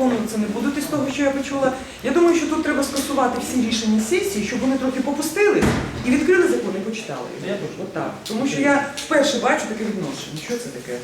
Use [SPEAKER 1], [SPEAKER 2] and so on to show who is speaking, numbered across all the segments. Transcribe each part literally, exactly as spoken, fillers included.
[SPEAKER 1] виконуватися не будуть із того, що я почула. Я думаю, що тут треба скасувати всі рішення сесії, щоб вони трохи попустили і відкрили закон і почитали. От так. Тому що я вперше бачу таке відношення. Що це таке?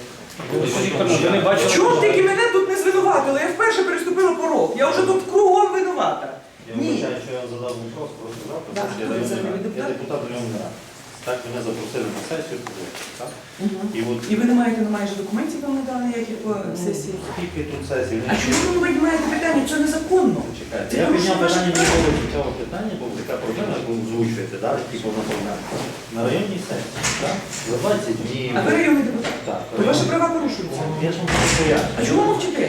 [SPEAKER 1] В чому тільки мене тут не звинуватили? Я вперше переступила порог. Я вже тут кругом винувата.
[SPEAKER 2] Я вибачаю, що я задав вопрос, просто завтра, тому що я районний рад. Я депутат районної ради. Так, мене запросили на сесію, так?
[SPEAKER 1] Угу.
[SPEAKER 2] І, от,
[SPEAKER 1] І ви не маєте ну, майже документів вам не дали ніяких по сесії?
[SPEAKER 2] скільки тут сесій?
[SPEAKER 1] А чому ви піднімаєте питання? Це незаконно.
[SPEAKER 2] Чекайте,
[SPEAKER 1] Це
[SPEAKER 2] я
[SPEAKER 1] порушення
[SPEAKER 2] підняв питання
[SPEAKER 1] ваших прав.
[SPEAKER 2] до цього питання, бо така проблема, яку озвучуєте, да, типу наповнення. На районній сесії, так? За двадцять днів.
[SPEAKER 1] А ви районний депутат?
[SPEAKER 2] Так.
[SPEAKER 1] То ваші права порушуються.
[SPEAKER 2] Я ж вам поясню.
[SPEAKER 1] А чого мовчите?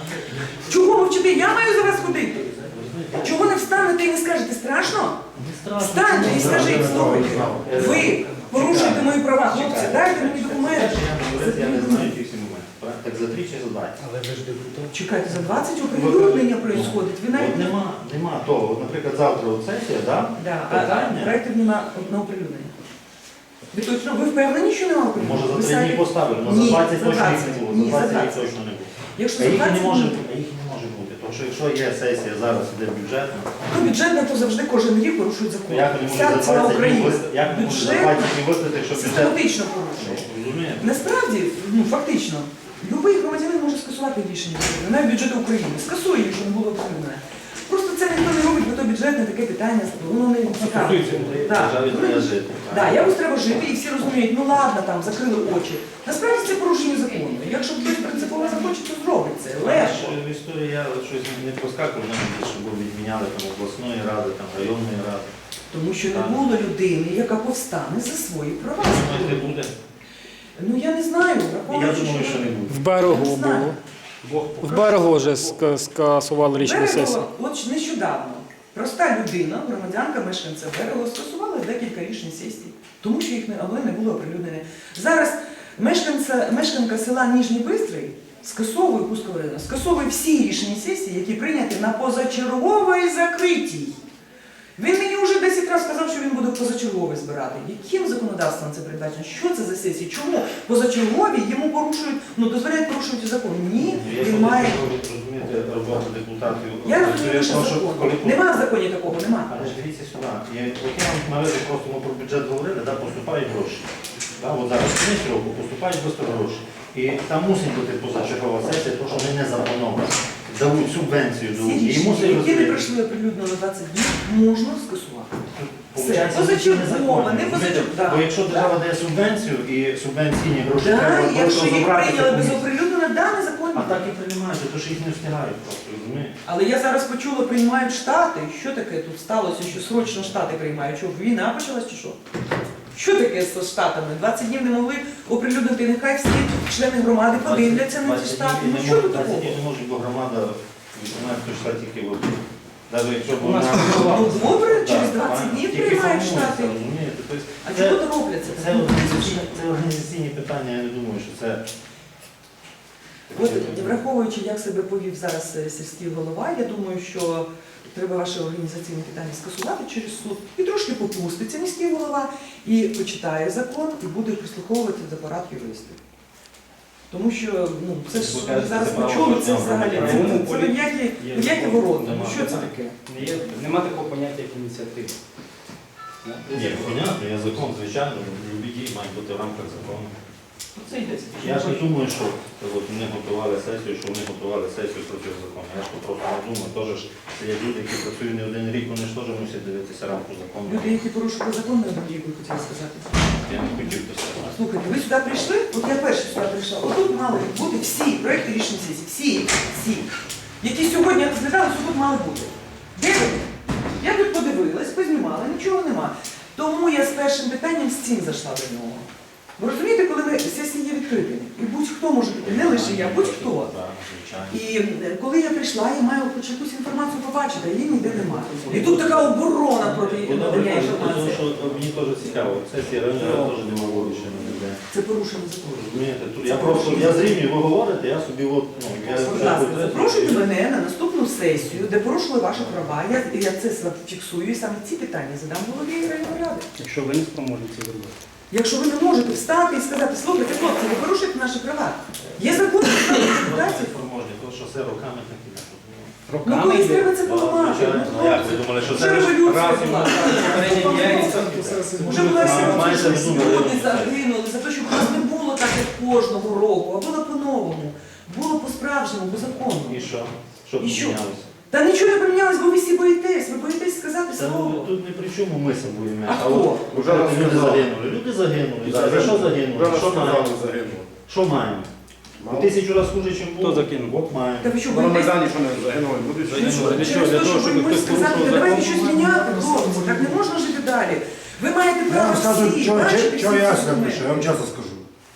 [SPEAKER 1] Чого мовчите? Я маю за вас ходити. Чого не встанете і не скажете? Страшно?
[SPEAKER 2] Не страшно.
[SPEAKER 1] Встаньте і скажіть, слухайте. Ви порушуєте мої права. Хлопці, дайте мені документи.
[SPEAKER 2] Я не знаю ці всі моменти. Так за три чи за двадцять?
[SPEAKER 3] Але ви ж депутат.
[SPEAKER 1] Чекайте, за двадцять оприлюднення відбувається. Ви навіть
[SPEAKER 2] От нема, нема того. От, наприклад, завтра от сесія, да?
[SPEAKER 1] Да, а
[SPEAKER 2] питання.
[SPEAKER 1] проєктів нема одного оприлюднення. Ви точно, ви впевнені, що нема оприлюднення?
[SPEAKER 2] Може
[SPEAKER 1] Ви
[SPEAKER 2] за три дні
[SPEAKER 1] самі-
[SPEAKER 2] поставили, але
[SPEAKER 1] Ні,
[SPEAKER 2] за двадцять
[SPEAKER 1] за
[SPEAKER 2] точно їх
[SPEAKER 1] двадцять.
[SPEAKER 2] не було.
[SPEAKER 1] Ні,
[SPEAKER 2] За
[SPEAKER 1] за
[SPEAKER 2] двадцять їх
[SPEAKER 1] двадцять.
[SPEAKER 2] точно не було.
[SPEAKER 1] Якщо
[SPEAKER 2] А
[SPEAKER 1] за
[SPEAKER 2] їх і не
[SPEAKER 1] двадцять
[SPEAKER 2] може,
[SPEAKER 1] днів,
[SPEAKER 2] а їх не може бути. Тому що якщо є сесія, зараз іде бюджетна,
[SPEAKER 1] ну бюджетна, то завжди кожен рік порушують закон.
[SPEAKER 2] то як вони
[SPEAKER 1] Вся
[SPEAKER 2] можуть за
[SPEAKER 1] ціла
[SPEAKER 2] двадцять днів
[SPEAKER 1] Україна.
[SPEAKER 2] виставити, як вони можуть за
[SPEAKER 1] Бюджет
[SPEAKER 2] двадцять днів виставити, якщо бюджет...
[SPEAKER 1] систематично порушує.
[SPEAKER 2] Розумієте?
[SPEAKER 1] Насправді, ну фактично, будь-який громадянин може скасувати рішення, навіть бюджету України. Скасує, якщо не було оприлюднене. Просто це ніхто не робить, бо то бюджетне таке питання, воно не цікаве.
[SPEAKER 2] Державі треба жити.
[SPEAKER 1] Так, якось треба жити, і всі розуміють, ну ладно, там, закрили очі. Насправді це порушення закону. Якщо хтось принципово захоче, то зробить це. Легко.
[SPEAKER 2] В історії я щось не проскакував, навіть, щоб відміняли там обласної ради, там районної ради.
[SPEAKER 1] Тому що не було людини, яка повстане за свої права.
[SPEAKER 2] Думаєте, буде?
[SPEAKER 1] Ну я не знаю,
[SPEAKER 2] Я
[SPEAKER 1] враховуючи,
[SPEAKER 2] думаю, що не
[SPEAKER 3] В
[SPEAKER 2] буде.
[SPEAKER 3] берегу
[SPEAKER 1] Я не знаю.
[SPEAKER 3] було. В берегу вже ска- скасували рішення
[SPEAKER 1] Берегово,
[SPEAKER 3] сесії.
[SPEAKER 1] от нещодавно, проста людина, громадянка, мешканця Берегово, скасувала декілька рішень сесії, тому що їх не, але не було оприлюднене. Зараз мешканця, мешканка села Ніжній Бистрий скасовує, Кузького району, скасовує всі рішення сесії, які прийняті на позачерговій закритій. Він мені вже десять разів сказав, що він буде позачерговий збирати. Яким законодавством це передбачено? Що це за сесії? Чому позачергові йому порушують, ну дозволяють порушувати закон? Ні,
[SPEAKER 2] Я
[SPEAKER 1] він має...
[SPEAKER 2] розумієте, роботу депутатів.
[SPEAKER 1] Я розумію, що
[SPEAKER 2] Тому
[SPEAKER 1] закон.
[SPEAKER 2] коли-
[SPEAKER 1] Нема в законі такого, нема.
[SPEAKER 2] Але ж дивіться сюди. Я, от я вам наведу, просто ми про бюджет говорили, да, поступають гроші. Да, от зараз кінець року поступають просто гроші. І там мусить бути позачергова сесія, тому що вони не заплановані. Дають субвенцію до
[SPEAKER 1] Всі
[SPEAKER 2] і
[SPEAKER 1] рішення,
[SPEAKER 2] мусить
[SPEAKER 1] які не
[SPEAKER 2] розглядати.
[SPEAKER 1] пройшли оприлюдно на двадцять днів, можна скасувати.
[SPEAKER 2] Получається,
[SPEAKER 1] Це позачергова,
[SPEAKER 2] незаконно.
[SPEAKER 1] не позачергова, да.
[SPEAKER 2] Бо якщо держава дає субвенцію і субвенційні гроші
[SPEAKER 1] Так,
[SPEAKER 2] треба
[SPEAKER 1] якщо
[SPEAKER 2] просто
[SPEAKER 1] їх
[SPEAKER 2] забрати
[SPEAKER 1] прийняли
[SPEAKER 2] за
[SPEAKER 1] без
[SPEAKER 2] комісію.
[SPEAKER 1] оприлюднення, да, незаконно.
[SPEAKER 2] А так і приймають, тому що їх не встигають просто, розумієте?
[SPEAKER 1] Але я зараз почула, приймають штати. Що таке тут сталося, що срочно штати приймають? Що, війна почалась чи що? Що таке з штатами? двадцять днів не могли оприлюднити, нехай всі члени громади подивляться на ці штати. Ну що тут такого?
[SPEAKER 2] двадцять не може, бо громада виконає той штат тільки в один. Навіть якщо б
[SPEAKER 3] У нас
[SPEAKER 2] вона...
[SPEAKER 1] Ну добре,
[SPEAKER 2] Так,
[SPEAKER 1] через
[SPEAKER 2] так,
[SPEAKER 1] двадцять днів
[SPEAKER 2] тільки
[SPEAKER 1] приймають
[SPEAKER 2] формується,
[SPEAKER 1] штати.
[SPEAKER 2] розумієте? Тобто
[SPEAKER 1] А
[SPEAKER 2] це-
[SPEAKER 1] чого то робляться?
[SPEAKER 2] Це організаційні, це організаційні питання, я не думаю, що це...
[SPEAKER 1] От, враховуючи, як себе повів зараз е, сільський голова, я думаю, що треба ваше організаційне питання скасувати через суд. І трошки попуститься міський голова, і почитає закон, і буде прислуховувати до порад юристів. Тому що, ну, це ж
[SPEAKER 2] Ви кажете,
[SPEAKER 1] зараз
[SPEAKER 2] це право
[SPEAKER 1] почули, це
[SPEAKER 2] кожного
[SPEAKER 1] взагалі, це,
[SPEAKER 2] громадянина.
[SPEAKER 1] це, це не м'які
[SPEAKER 3] Є
[SPEAKER 1] м'які
[SPEAKER 3] закон.
[SPEAKER 1] ворота. Ну
[SPEAKER 2] Нема.
[SPEAKER 1] що це таке?
[SPEAKER 3] Не є- Нема такого поняття, як ініціатива.
[SPEAKER 2] Ні, понятно, є закон, звичайно, любі дії мають бути в рамках закону.
[SPEAKER 1] Оце йдеться.
[SPEAKER 2] Я ж не думаю, що от, вони готували сесію, що вони готували сесію проти закону. Я ж то просто не думаю. Теж ж це є люди, які працюють не один рік, вони ж теж мусять дивитися рамку закону.
[SPEAKER 1] Люди, які порушили закон, не однією би хотіли сказати.
[SPEAKER 2] Я не хотів би сказати.
[SPEAKER 1] Слухайте, ви сюди прийшли, от я перша сюди прийшла, отут мали бути всі проекти рішень сесії, всі, всі, які сьогодні розглядалися, тут мали бути. Де ви? Я тут подивилась, познімала, нічого нема. Тому я з першим питанням з цим зайшла до нього. Ви розумієте, коли ми сесії є відкритими, і будь-хто може бути, не лише я, будь-хто.
[SPEAKER 2] Так, звичайно.
[SPEAKER 1] І е, коли я прийшла, я маю хоч якусь інформацію побачити, а її ніде немає. І тут така оборона проти
[SPEAKER 2] Ну, добре,
[SPEAKER 1] надання
[SPEAKER 2] тому
[SPEAKER 1] інформації.
[SPEAKER 2] що мені теж цікаво. Сесія районна теж не мало ще не буде.
[SPEAKER 1] Це порушення закону.
[SPEAKER 2] Розумієте, тут я просто, я зрівнюю, ви говорите, я собі от, ну, я...
[SPEAKER 1] Будь ласка, запрошуйте мене на наступну сесію, де порушили ваші права. Я, я це фіксую і саме ці питання задам голові районної ради.
[SPEAKER 3] Якщо ви не спроможні це зробити.
[SPEAKER 1] Якщо ви не можете встати і сказати, слухайте, хлопці, ви порушуєте наші права. Є закон про депутатів.
[SPEAKER 2] Спроможні, тому що шосе роками так іде.
[SPEAKER 1] Ну колись треба це поламати.
[SPEAKER 2] Ну як ви думали, що
[SPEAKER 1] Вже
[SPEAKER 2] це
[SPEAKER 1] революція
[SPEAKER 2] раз
[SPEAKER 1] була. Вже була
[SPEAKER 2] Маєте
[SPEAKER 1] революція,
[SPEAKER 2] в виду,
[SPEAKER 1] люди загинули за те, щоб у нас не було так, як кожного року, а було по-новому. Було по-справжньому, по закону.
[SPEAKER 2] І що? Що
[SPEAKER 1] І що?
[SPEAKER 2] помінялося?
[SPEAKER 1] Та нічого не помінялось, бо ви всі боїтесь. Ви боїтесь сказати
[SPEAKER 2] Та ну,
[SPEAKER 1] слово.
[SPEAKER 2] тут не при чому ми собою
[SPEAKER 1] А хто?
[SPEAKER 2] от
[SPEAKER 4] Уже
[SPEAKER 2] люди
[SPEAKER 4] розказали.
[SPEAKER 2] загинули. Люди загинули.
[SPEAKER 4] Да,
[SPEAKER 2] За що
[SPEAKER 4] Вже
[SPEAKER 2] загинули? Що
[SPEAKER 4] розказали,
[SPEAKER 2] маємо?
[SPEAKER 4] загинуло.
[SPEAKER 2] Що маємо?
[SPEAKER 4] Мало.
[SPEAKER 2] Тисячу разів хуже, ніж було.
[SPEAKER 3] Хто закинув?
[SPEAKER 2] От маємо.
[SPEAKER 1] Та ви що,
[SPEAKER 4] На
[SPEAKER 1] боїтесь?
[SPEAKER 4] Майдані що не загинули, люди
[SPEAKER 1] Ну,
[SPEAKER 4] загинули.
[SPEAKER 1] що,
[SPEAKER 3] Для чого?
[SPEAKER 1] через
[SPEAKER 3] Для
[SPEAKER 1] те,
[SPEAKER 3] того,
[SPEAKER 1] що
[SPEAKER 3] щоб
[SPEAKER 1] ви
[SPEAKER 3] хтось
[SPEAKER 1] можете сказати,
[SPEAKER 3] порушував
[SPEAKER 1] «Та давайте
[SPEAKER 3] закон?»
[SPEAKER 1] щось міняти, хлопці, так не можна жити далі. Ви маєте
[SPEAKER 5] Я
[SPEAKER 1] право
[SPEAKER 5] вам скажу,
[SPEAKER 1] всі,
[SPEAKER 5] що,
[SPEAKER 1] бачити
[SPEAKER 5] що
[SPEAKER 1] всі
[SPEAKER 5] я
[SPEAKER 1] ці
[SPEAKER 5] скажу,
[SPEAKER 1] документи.
[SPEAKER 5] я вам часто скажу.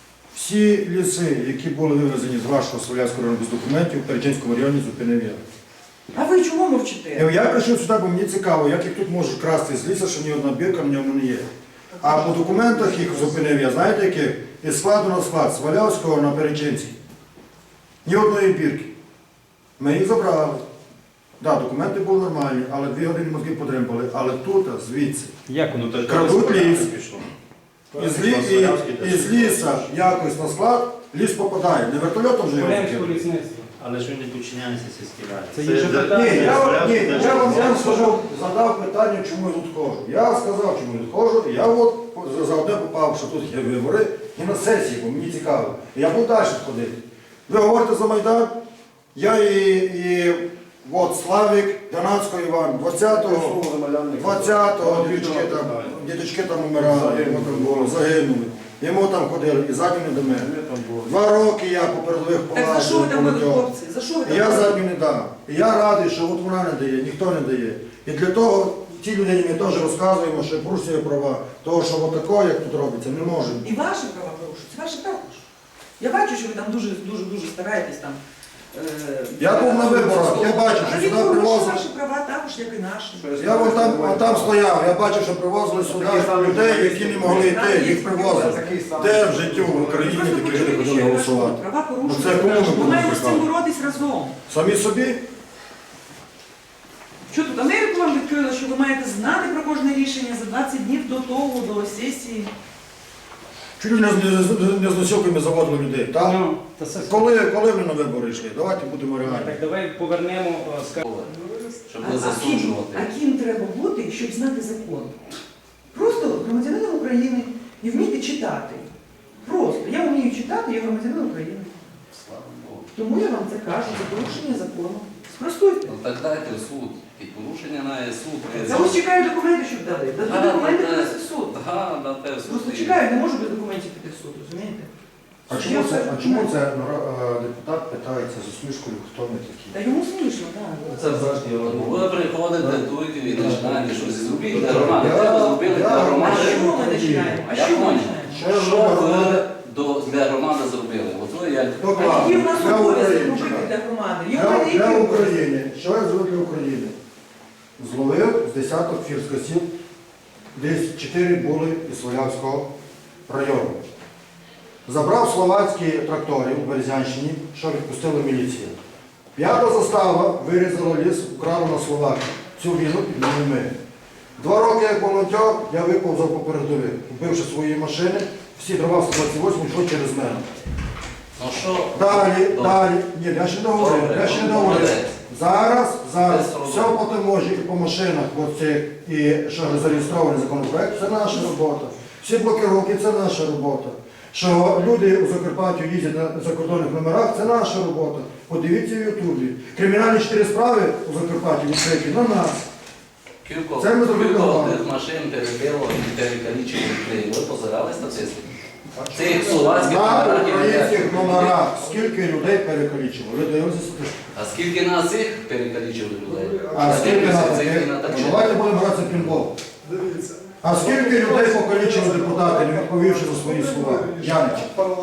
[SPEAKER 5] Всі ліси, які були вивезені з вашого Слов'янського району без документів, в Перечинському районі зупинив я.
[SPEAKER 1] А ви чому мовчите?
[SPEAKER 5] Я прийшов сюди, бо мені цікаво, як їх тут можуть красти з лісу, що ні одна бірка в ньому не є. А по документах їх зупинив я, знаєте яких? Із складу на склад, з Валявського на Перечинський. Ні одної бірки. Ми їх забрали. Так, документи були нормальні, але дві години мозги потримали. Але тут, звідси.
[SPEAKER 3] Як воно так?
[SPEAKER 5] Крадуть ліс.
[SPEAKER 2] Пішло.
[SPEAKER 5] Із, лі, і, із ліса якось на склад, ліс попадає. Не вертольотом вже його закинули.
[SPEAKER 2] Але ж він не підчиняється сільській раді.
[SPEAKER 3] Це інше
[SPEAKER 2] де-
[SPEAKER 3] питання.
[SPEAKER 5] Ні, я, вам- ні,
[SPEAKER 2] Це-
[SPEAKER 5] я вам я вам скажу, задав питання, чому я тут ходжу. Я сказав, чому я тут ходжу. Я от за- за одне попав, що тут є вибори, і на сесії, бо мені цікаво. І я буду далі ходити. Ви говорите за Майдан, я і, і от Славік, Донацько Іван, двадцятого, двадцятого діточки там, діточки там умирали, йому там було, загинули. Йому там ходили, і задню не до мене. Два роки я по передових
[SPEAKER 1] Так за що ви там були,
[SPEAKER 5] полазив.
[SPEAKER 1] хлопці? За що ви
[SPEAKER 5] І
[SPEAKER 1] там
[SPEAKER 5] я
[SPEAKER 1] були?
[SPEAKER 5] задню не дам. І я радий, що от вона не дає, ніхто не дає. І для того ті людині ми теж розказуємо, що порушує права. Того, що отако, як тут робиться, не може.
[SPEAKER 1] І ваші права порушуються, ваші також. Я бачу, що ви там дуже дуже дуже стараєтесь там. е,
[SPEAKER 5] Я був на виборах, я бачу, що
[SPEAKER 1] Але
[SPEAKER 5] сюди
[SPEAKER 1] порушують
[SPEAKER 5] привозили.
[SPEAKER 1] ваші права також, як і наші.
[SPEAKER 5] Я вон там, вон там стояв, я бачив, що привозили сюди людей, які не могли йти, їх привозили. Де в життю в Україні
[SPEAKER 1] Просто
[SPEAKER 5] такі
[SPEAKER 1] почули,
[SPEAKER 5] люди
[SPEAKER 1] що
[SPEAKER 5] ходили
[SPEAKER 1] я кажу,
[SPEAKER 5] голосувати?
[SPEAKER 1] права
[SPEAKER 5] Ну, це
[SPEAKER 1] порушуються.
[SPEAKER 5] кому ми
[SPEAKER 1] Ми
[SPEAKER 5] будемо
[SPEAKER 1] маємо з цим
[SPEAKER 5] звикати?
[SPEAKER 1] боротись разом.
[SPEAKER 5] Самі собі?
[SPEAKER 1] Що тут Америку вам відкрила, що ви маєте знати про кожне рішення за двадцять днів до того, до сесії?
[SPEAKER 5] Чуть не, не, не з носілками заводили людей. Так?
[SPEAKER 3] Ну, та це-
[SPEAKER 5] Коли, коли ви на вибори йшли? Давайте будемо реальні.
[SPEAKER 3] Так, давай повернемо, е, скажімо.
[SPEAKER 6] Щоб
[SPEAKER 1] А,
[SPEAKER 6] не
[SPEAKER 1] а, ким,
[SPEAKER 6] засуджувати.
[SPEAKER 1] а ким треба бути, щоб знати закон? Просто громадянином України і вміти читати. Просто. Я вмію читати, я громадянин України.
[SPEAKER 6] Слава Богу.
[SPEAKER 1] Тому я вам це кажу за порушення закону. Спростуйте.
[SPEAKER 6] Ну так дайте в суд. І порушення на суд.
[SPEAKER 1] Я ось чекаю документи, щоб дали. Дадуть
[SPEAKER 6] Ага,
[SPEAKER 1] документи,
[SPEAKER 6] да,
[SPEAKER 1] принеси в суд.
[SPEAKER 6] Ага, дайте в суд.
[SPEAKER 1] Просто
[SPEAKER 6] і-
[SPEAKER 1] чекаю, не можу без документів піти в суд, розумієте?
[SPEAKER 5] А чому це, а чому це нара- е, депутат питається з усмішкою, хто ми такі?
[SPEAKER 1] Та йому смішно, так.
[SPEAKER 6] Це завжди Ви приходите тут і починаєте щось зробити для громади.
[SPEAKER 5] Я-
[SPEAKER 6] Треба зробили
[SPEAKER 5] я-
[SPEAKER 6] для
[SPEAKER 1] А
[SPEAKER 6] громади.
[SPEAKER 1] що ми починаємо? А
[SPEAKER 6] Я
[SPEAKER 1] що ми
[SPEAKER 6] понял.
[SPEAKER 1] починаємо?
[SPEAKER 5] Що я
[SPEAKER 6] Що
[SPEAKER 5] зроблю?
[SPEAKER 6] ви до- для громади зробили? От ви як
[SPEAKER 1] А
[SPEAKER 5] Доклад.
[SPEAKER 1] які в нас
[SPEAKER 5] Для
[SPEAKER 1] обов'язки
[SPEAKER 5] України.
[SPEAKER 1] робити
[SPEAKER 5] чекай.
[SPEAKER 1] для громади? Є в
[SPEAKER 5] Для,
[SPEAKER 1] мене
[SPEAKER 5] для
[SPEAKER 1] які
[SPEAKER 5] України. Що я зробив для України? Зловив з десяток фірскосів, десь чотири були із Свалявського району. Забрав словацькі трактори у Березянщині, що відпустила міліція. П'ята застава вирізала ліс, украла на Словакію. Цю війну підняли ми. Два роки як волонтер я виповзав по передових, купивши свої машини, всі дрова в сто двадцять восьмому йшли через мене.
[SPEAKER 6] ну що?
[SPEAKER 5] Далі,
[SPEAKER 6] Добре.
[SPEAKER 5] далі. Ні, я ще не говорив,
[SPEAKER 6] Добре,
[SPEAKER 5] я ще не
[SPEAKER 6] добре.
[SPEAKER 5] говорив. Зараз, зараз,
[SPEAKER 6] Без
[SPEAKER 5] все
[SPEAKER 6] проблем.
[SPEAKER 5] по таможі і по машинах, оці, і що зареєстрований законопроект, це наша робота. Всі блокировки, це наша робота. Що люди у Закарпаттю їздять на закордонних номерах, це наша робота. Подивіться в Ютубі. Кримінальні чотири справи у Закарпатті відкриті на нас.
[SPEAKER 6] Кілько,
[SPEAKER 5] Це ми зробили
[SPEAKER 6] кілько
[SPEAKER 5] нормально.
[SPEAKER 6] тих машин перебило і перекалічили людей. Ви позирали статистику? Цих словацьких
[SPEAKER 5] На
[SPEAKER 6] номерах і
[SPEAKER 5] українських
[SPEAKER 6] людей.
[SPEAKER 5] номерах скільки людей перекалічили? Ви дивилися статистику?
[SPEAKER 6] А скільки на цих перекалічили людей?
[SPEAKER 5] А скільки на
[SPEAKER 6] Цих
[SPEAKER 5] таких?
[SPEAKER 6] і на таких.
[SPEAKER 5] Давайте будемо гратися в пінбол. А скільки людей покалічили депутати, не відповівши за свої слова? Янич.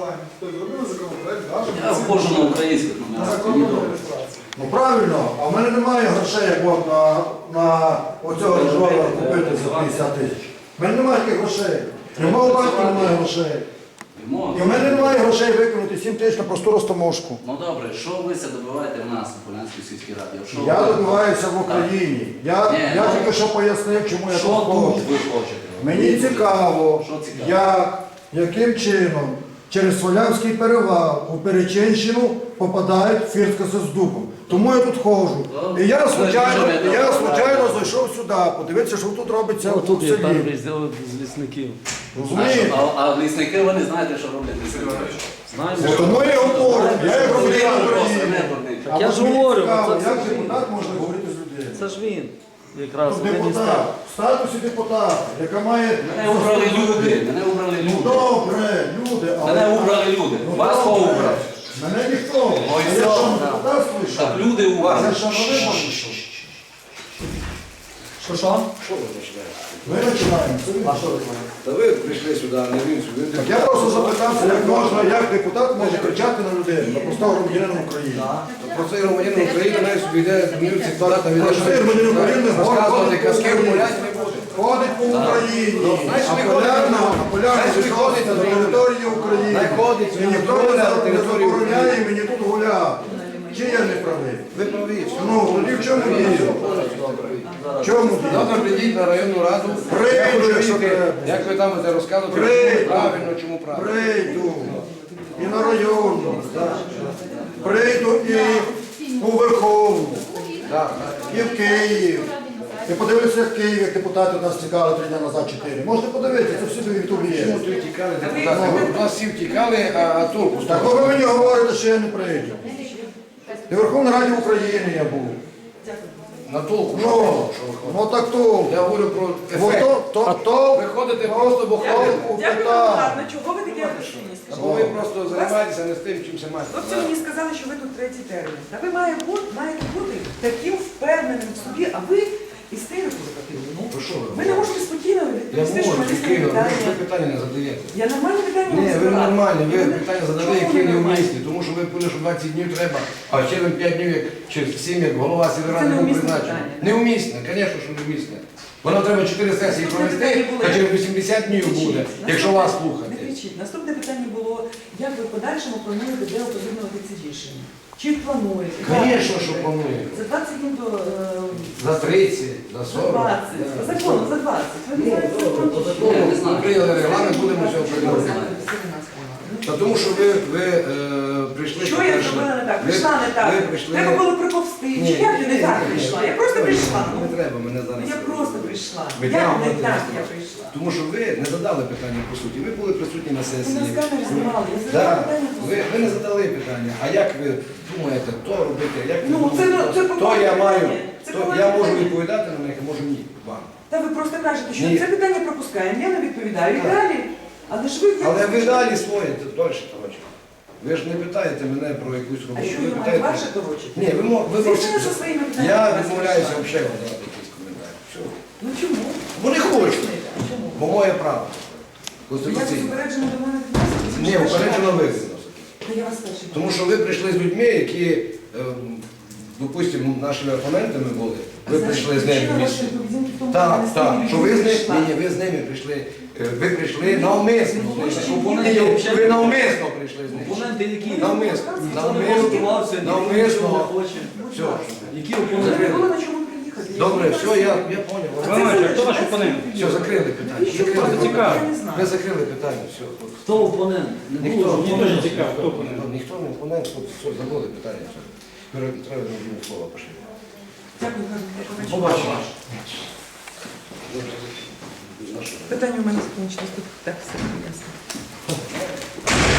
[SPEAKER 6] Я вхожу на українських номерах. мені добре.
[SPEAKER 5] Ну правильно, а в мене немає грошей, як от на, на оцього режора купити за п'ятдесят тисяч. В мене немає таких грошей. І в мого батька немає грошей.
[SPEAKER 6] Йому-
[SPEAKER 5] І в мене немає грошей виконати сім тисяч на просту розтаможку.
[SPEAKER 6] Ну добре, що ви це добиваєте в нас у Полянській сільській раді? Що
[SPEAKER 5] Я
[SPEAKER 6] ви-
[SPEAKER 5] добиваюся в Україні. Я,
[SPEAKER 6] Ні,
[SPEAKER 5] я
[SPEAKER 6] ну,
[SPEAKER 5] тільки що пояснив, чому я
[SPEAKER 6] Що
[SPEAKER 5] тут
[SPEAKER 6] тут
[SPEAKER 5] хочу.
[SPEAKER 6] ви хочете?
[SPEAKER 5] Мені цікаво,
[SPEAKER 6] Що цікаво?
[SPEAKER 5] як, яким чином через Свалявський перевал у Перечинщину попадають в Фірскоси з дубом. Тому я тут ходжу. І я случайно, я случайно зайшов сюди, подивитися, що тут робиться в
[SPEAKER 3] Тут є
[SPEAKER 5] селі.
[SPEAKER 3] перший з лісників.
[SPEAKER 6] А,
[SPEAKER 5] Розумієте?
[SPEAKER 6] що, а, а лісники, ви не знаєте, що роблять лісники.
[SPEAKER 3] Знаємо.
[SPEAKER 5] От Тому я говорю, я як громадянин
[SPEAKER 6] Просто
[SPEAKER 5] України.
[SPEAKER 6] не дурний.
[SPEAKER 3] Так я
[SPEAKER 5] А
[SPEAKER 3] ж
[SPEAKER 5] от мені
[SPEAKER 3] говорю,
[SPEAKER 5] цікаво,
[SPEAKER 3] це- це
[SPEAKER 5] як
[SPEAKER 3] ж він.
[SPEAKER 5] депутат може говорити з людьми?
[SPEAKER 3] Це ж він. Якраз
[SPEAKER 5] Тут
[SPEAKER 3] він і
[SPEAKER 5] депутат,
[SPEAKER 3] став.
[SPEAKER 5] в статусі депутата, яка має...
[SPEAKER 6] Мене убрали люди, мене убрали
[SPEAKER 5] Ну
[SPEAKER 6] люди.
[SPEAKER 5] добре, люди, але...
[SPEAKER 6] Мене убрали люди.
[SPEAKER 5] Ну,
[SPEAKER 6] Вас хто
[SPEAKER 5] добре.
[SPEAKER 6] убрав?
[SPEAKER 5] Мене ніхто.
[SPEAKER 6] Ой,
[SPEAKER 5] Я
[SPEAKER 6] все.
[SPEAKER 5] що, не депутат слышав?
[SPEAKER 6] Так, люди у вас.
[SPEAKER 5] Я що, на вибори йшов?
[SPEAKER 3] Що що?
[SPEAKER 4] Що ви починаєте?
[SPEAKER 5] Ми починаємо. Це ви.
[SPEAKER 4] Та ви прийшли сюди, а не він сюди.
[SPEAKER 5] Так я просто запитався, як можна, як депутат може кричати на людей, на простого громадянина України.
[SPEAKER 4] Про цей громадянин України навіть собі йде в мілці туалета, він
[SPEAKER 5] Цей громадянин України
[SPEAKER 4] розказувати
[SPEAKER 5] ходить по
[SPEAKER 4] казки
[SPEAKER 5] Україні.
[SPEAKER 4] гулять не буде.
[SPEAKER 5] Ходить по Україні,
[SPEAKER 4] Знаєш,
[SPEAKER 5] а
[SPEAKER 4] ви
[SPEAKER 5] полярно,
[SPEAKER 4] ходите,
[SPEAKER 5] а полярно
[SPEAKER 4] знаєш, ви
[SPEAKER 5] вийшов
[SPEAKER 4] ходите
[SPEAKER 5] на
[SPEAKER 4] на
[SPEAKER 5] території України.
[SPEAKER 4] Най ходить,
[SPEAKER 5] І ніхто
[SPEAKER 4] на
[SPEAKER 5] не за- не
[SPEAKER 4] території
[SPEAKER 5] забороняє
[SPEAKER 4] України.
[SPEAKER 5] мені тут гуляти. Чи я не правий?
[SPEAKER 4] Ви праві.
[SPEAKER 5] Ну, тоді в чому діло? В чому діло?
[SPEAKER 4] Завтра прийдіть на районну раду.
[SPEAKER 5] Прийду,
[SPEAKER 4] Я хочу
[SPEAKER 5] якщо
[SPEAKER 4] чути,
[SPEAKER 5] треба.
[SPEAKER 4] як ви там це розказуєте,
[SPEAKER 5] Прийду.
[SPEAKER 4] чому правильно, чому правильно.
[SPEAKER 5] Прийду і на районну, прийду і у Верховну,
[SPEAKER 4] Так,
[SPEAKER 5] і в Київ. І подивитися, як в Києві, як депутати у нас тікали три дні назад, чотири. Можете подивитися, це всі до Ютубі є.
[SPEAKER 4] чому тут тікали депутати? Ви у нас всі втікали, а, а толку з
[SPEAKER 5] Так
[SPEAKER 4] того?
[SPEAKER 5] ви мені говорите, що я не прийду. І в Верховній Раді України я був.
[SPEAKER 4] На толку, що
[SPEAKER 5] Ну,
[SPEAKER 4] ви що ви ходите?
[SPEAKER 5] ну так то.
[SPEAKER 4] Я говорю про
[SPEAKER 5] Бо
[SPEAKER 4] ефект.
[SPEAKER 5] то, то, то,
[SPEAKER 4] Ви ходите просто, бо ходите.
[SPEAKER 1] Дякую,
[SPEAKER 5] питання.
[SPEAKER 1] дякую, ладно, чого ви такі агресивні, скажіть?
[SPEAKER 4] Або ви просто займаєтеся не з тим, чим займаєтеся.
[SPEAKER 1] Хлопці мені сказали, що ви тут третій термін. Та ви маєте бути, маєте бути таким впевненим в собі, а ви істерику закатили. Ну,
[SPEAKER 4] Ви що ви?
[SPEAKER 1] ви не можете спокійно
[SPEAKER 4] Я
[SPEAKER 1] відповісти, що
[SPEAKER 4] можу,
[SPEAKER 1] мене
[SPEAKER 4] тільки ви
[SPEAKER 1] питання.
[SPEAKER 4] питання не задаєте.
[SPEAKER 1] Я нормальні питання
[SPEAKER 4] Ні,
[SPEAKER 1] вам
[SPEAKER 4] ви
[SPEAKER 1] задала.
[SPEAKER 4] нормальні, ви
[SPEAKER 1] І мене-
[SPEAKER 4] питання задали,
[SPEAKER 1] Чому
[SPEAKER 4] які
[SPEAKER 1] ви
[SPEAKER 4] не
[SPEAKER 1] нормальні?
[SPEAKER 4] вмісні, тому що ви пили, що двадцять днів треба, а через п'ять днів, як через сім, як голова сільради був
[SPEAKER 1] неумісне
[SPEAKER 4] призначений.
[SPEAKER 1] питання.
[SPEAKER 4] Неумісне, звісно, що неумісне. Воно треба чотири сесії
[SPEAKER 1] Наступне
[SPEAKER 4] провести,
[SPEAKER 1] питання було,
[SPEAKER 4] а
[SPEAKER 1] як-
[SPEAKER 4] через вісімдесят днів
[SPEAKER 1] Кричіть.
[SPEAKER 4] буде,
[SPEAKER 1] Наступне-
[SPEAKER 4] якщо вас
[SPEAKER 1] Не
[SPEAKER 4] слухати.
[SPEAKER 1] кричіть. Наступне питання було, як ви в подальшому плануєте, де оприлюднювати ці рішення? Чи плануєте?
[SPEAKER 4] Звісно, що планує.
[SPEAKER 1] За двадцять днів до... е,
[SPEAKER 4] За тридцять, за
[SPEAKER 1] За
[SPEAKER 4] сорок.
[SPEAKER 1] двадцять. По закону, за двадцять. Ви не знаєте закон?
[SPEAKER 6] Я не знаю.
[SPEAKER 4] Ми прийняли регламент, будемо все приймати. Та тому що ви, ви е, прийшли.
[SPEAKER 1] Що я
[SPEAKER 4] по-перше,
[SPEAKER 1] зробила не так?
[SPEAKER 4] ви-
[SPEAKER 1] Прийшла не так.
[SPEAKER 4] Ви прийшли.
[SPEAKER 1] Треба було приповзти.
[SPEAKER 4] Ні,
[SPEAKER 1] Чи як я не
[SPEAKER 4] ні,
[SPEAKER 1] так
[SPEAKER 4] ні,
[SPEAKER 1] прийшла?
[SPEAKER 4] ні.
[SPEAKER 1] Я просто прийшла.
[SPEAKER 4] Не
[SPEAKER 1] Ну,
[SPEAKER 4] треба мене зараз.
[SPEAKER 1] я просто прийшла. Як
[SPEAKER 4] Витягувати
[SPEAKER 1] не так
[SPEAKER 4] не
[SPEAKER 1] я
[SPEAKER 4] треба.
[SPEAKER 1] прийшла?
[SPEAKER 4] Тому що ви не задали питання по суті. Ви були присутні на
[SPEAKER 1] Ви
[SPEAKER 4] сесії.
[SPEAKER 1] нас камери знімали, я задала
[SPEAKER 4] Да.
[SPEAKER 1] питання.
[SPEAKER 4] Ви, ви не задали питання. А як ви думаєте, то робити? Як ви
[SPEAKER 1] Ну, це-
[SPEAKER 4] думаєте?
[SPEAKER 1] це
[SPEAKER 4] то
[SPEAKER 1] поважне
[SPEAKER 4] я маю,
[SPEAKER 1] питання. Це
[SPEAKER 4] то
[SPEAKER 1] поважне
[SPEAKER 4] я можу
[SPEAKER 1] питання.
[SPEAKER 4] відповідати на них, а можу ні вам.
[SPEAKER 1] Та ви просто кажете, що
[SPEAKER 4] Ні.
[SPEAKER 1] це питання пропускаємо, я не відповідаю. І
[SPEAKER 4] Так.
[SPEAKER 1] далі. Але ж ви...
[SPEAKER 4] Але ви далі своє, це далі, коротше. Ви ж не питаєте мене про якусь
[SPEAKER 1] А
[SPEAKER 4] роботу.
[SPEAKER 1] що
[SPEAKER 4] Ви
[SPEAKER 1] я маю
[SPEAKER 4] питаєте.
[SPEAKER 1] ваше доручення?
[SPEAKER 4] Ні, ви мо- ви
[SPEAKER 1] Звичайно,
[SPEAKER 4] можете-
[SPEAKER 1] зі своїми питаннями.
[SPEAKER 4] Я
[SPEAKER 1] вас
[SPEAKER 4] відмовляюся
[SPEAKER 1] вирішаю.
[SPEAKER 4] взагалі давати якісь коментарі. Все.
[SPEAKER 1] Ну чому?
[SPEAKER 4] Бо не хочу.
[SPEAKER 1] А чому?
[SPEAKER 4] Бо моє право.
[SPEAKER 1] Я тут
[SPEAKER 4] Конституційне.
[SPEAKER 1] упереджено до мене відноситесь?
[SPEAKER 4] Ні,
[SPEAKER 1] Що
[SPEAKER 4] упереджено
[SPEAKER 1] ж
[SPEAKER 4] ви
[SPEAKER 1] я-
[SPEAKER 4] відносите.
[SPEAKER 1] Та я вас перший.
[SPEAKER 4] Тому що ви прийшли з людьми, які, ем, допустимо, нашими опонентами були. Ви прийшли з ними в місті. Так, так, що ви з ними, ні, ні, ви з ними прийшли, е, ви прийшли навмисно. з ними. Ні, ні, Ви навмисно прийшли з ними.
[SPEAKER 7] Опоненти які?
[SPEAKER 4] Навмисно.
[SPEAKER 7] Ніхто не
[SPEAKER 4] Навмисно.
[SPEAKER 7] готувався, ніхто нічого не
[SPEAKER 4] Навмисно.
[SPEAKER 7] хоче.
[SPEAKER 4] Все.
[SPEAKER 7] Які
[SPEAKER 1] Ви не
[SPEAKER 7] опоненти?
[SPEAKER 1] було на чому приїхати. Я
[SPEAKER 4] Добре,
[SPEAKER 1] не
[SPEAKER 4] все,
[SPEAKER 1] знаю.
[SPEAKER 4] я, я поняв.
[SPEAKER 1] А це
[SPEAKER 3] Романе,
[SPEAKER 1] залежить,
[SPEAKER 3] хто ваш
[SPEAKER 1] так?
[SPEAKER 3] опонент?
[SPEAKER 4] Все, закрили питання.
[SPEAKER 1] Навіщо ви
[SPEAKER 4] Закрили
[SPEAKER 1] робите?
[SPEAKER 3] цікаво.
[SPEAKER 1] Я не
[SPEAKER 4] Ви
[SPEAKER 1] знаю.
[SPEAKER 4] закрили питання, все. хлопці.
[SPEAKER 7] Хто опонент? Не
[SPEAKER 4] Ніхто.
[SPEAKER 7] було.
[SPEAKER 3] Мені теж цікаво, хто опонент.
[SPEAKER 4] Ніхто, ніхто не опонент, хлопці, все, забули питання. Все. Тепер треба мені слово пошли.
[SPEAKER 1] Дякую, Ганна.
[SPEAKER 4] Побачимо.
[SPEAKER 1] Питання у мене закінчилось. Тут так все ясно.